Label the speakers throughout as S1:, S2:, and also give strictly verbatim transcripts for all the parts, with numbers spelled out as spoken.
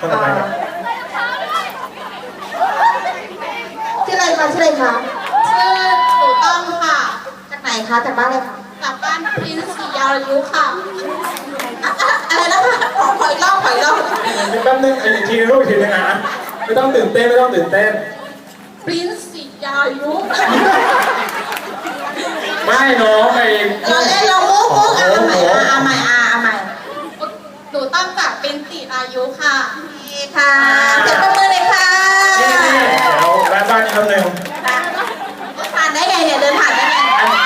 S1: คนต่อไปครับ
S2: ชื่ออะไรคะชื่ออะไรคะ
S3: ชื่อหนูต้องค่ะ
S2: จากไหนคะจากบ้านอะไรคะ
S3: จากบ้านพินสียาวยุค่ะ
S2: อะไรนะคะขอขออีกรอบขออีกรอบ
S1: แป๊บนึงอีกทีรูปอีกทีนึงอ่ะไม่ต้องตื่นเต้นไม่ต้องตื่นเต้น
S3: พรินสียาวยุ
S1: ไม่น้องไป
S2: เราเล่นเรามุกมุกอ่ะเอาใหม่อ่ะเอาใหม่อ่ะเอาใหม่
S3: หนูต้องจากเป็นสีอายุค่ะ
S2: นี่ค่ะเสียงปรบมือเลยค่ะ
S1: นี่นี่เดี๋ยวแวะบ้านอีกคำหนึ่ง
S2: ผ่านได้ไงเนี่ยเดินผ่านได้ไง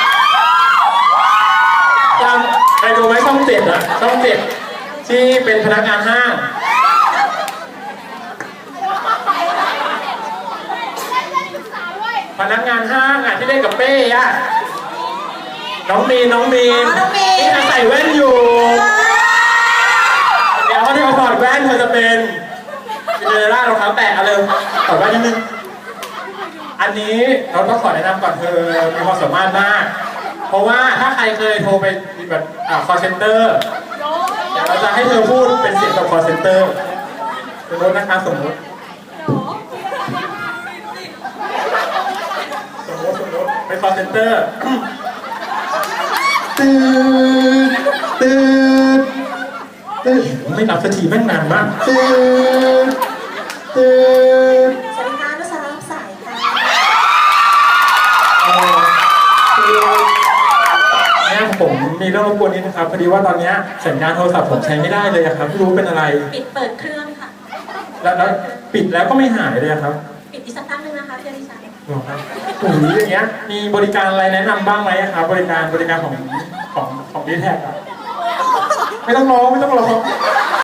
S1: จำไปดูไหมช่องเจ็ดอะช่องเจ็ดที่เป็นพนักงานห้างพนักงานห้างอะที่เล่นกับเป้อะน้องมีนน้องมีนที่ใส่แว่นอยู่เดี๋ยวเขาที่เขาถอดแว่นเธอจะเป็นเจเนอเรล่ารองเท้าแตะเอาเลยถอดแว่นนิดนึงอันนี้เราต้องขอแนะนำก่อนเธอมีความสามารถมากเพราะว่าถ้าใครเคยโทรไปแบบอ่า call center เดี๋ยวเราจะให้เธอพูดเป็นเสียงกับ call center สมมตินะคะสมมติสมมติสมมติเป็น call center ตื่นตื่นตื่นไม่รับสักทีแม่งนานมากตื่นตื่น
S2: สวัสดีค่ะนุสารับสายค่ะ
S1: เนี่ยผมมีเรื่องรบกวนนิดนะครับพอดีว่าตอนนี้สัญญาณโทรศัพท์ผมใช้ไม่ได้เลยครับไม่รู้เป็นอะไร
S2: ปิดเปิดเครื่องค่ะ
S1: แล้วแล้วปิดแล้วก็ไม่หายเลยครับ
S2: ปิดอีกสักตั้งนึงนะคะเพื่อนดิฉัน
S1: หรอครับโอ้โหอย่างเงี้ยมีบริการอะไรแนะนำบ้างไหมครับบริการบริการของของของดีแท็กอะไม่ต้องร้องไม่ต้องร้อง